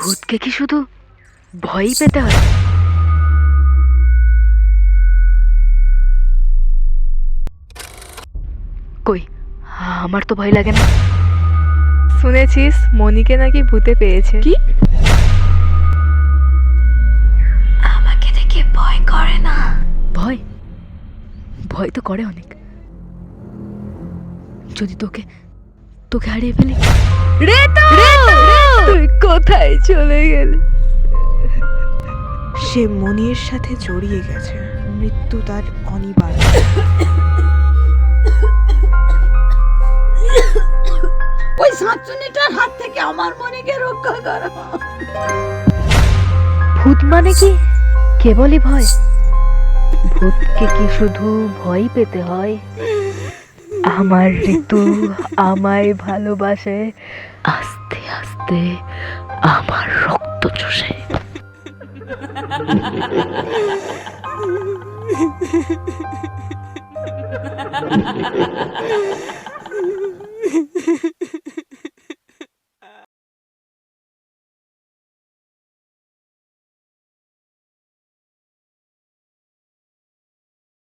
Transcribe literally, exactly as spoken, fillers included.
ভূতকে কি শুধু ভয়ই পেতে হয়? কই, আমার তো ভয় লাগে না। শুনেছিস মনিকে নাকি ভূতে পেয়েছে? কি? আমাকে দেখে ভয় করে না? ভয় ভয় তো করে অনেক। যদি তোকে তোকে হারিয়ে ফেলি। রেতু, তুই কোথায় চলে গেলি? সে মনির সাথে জড়িয়ে গেছে, মৃত্যু তার অনিবার্য। ওই শাঁচুনিটার হাত থেকে আমার মনিকে রক্ষা করো। ভূত মানে কি কেবলই ভয়? ভূতকে কি শুধু ভয় পেতে হয়? আমার ঋতু আমায় ভালোবাসে, আস্তে আস্তে আমার রক্ত চষে।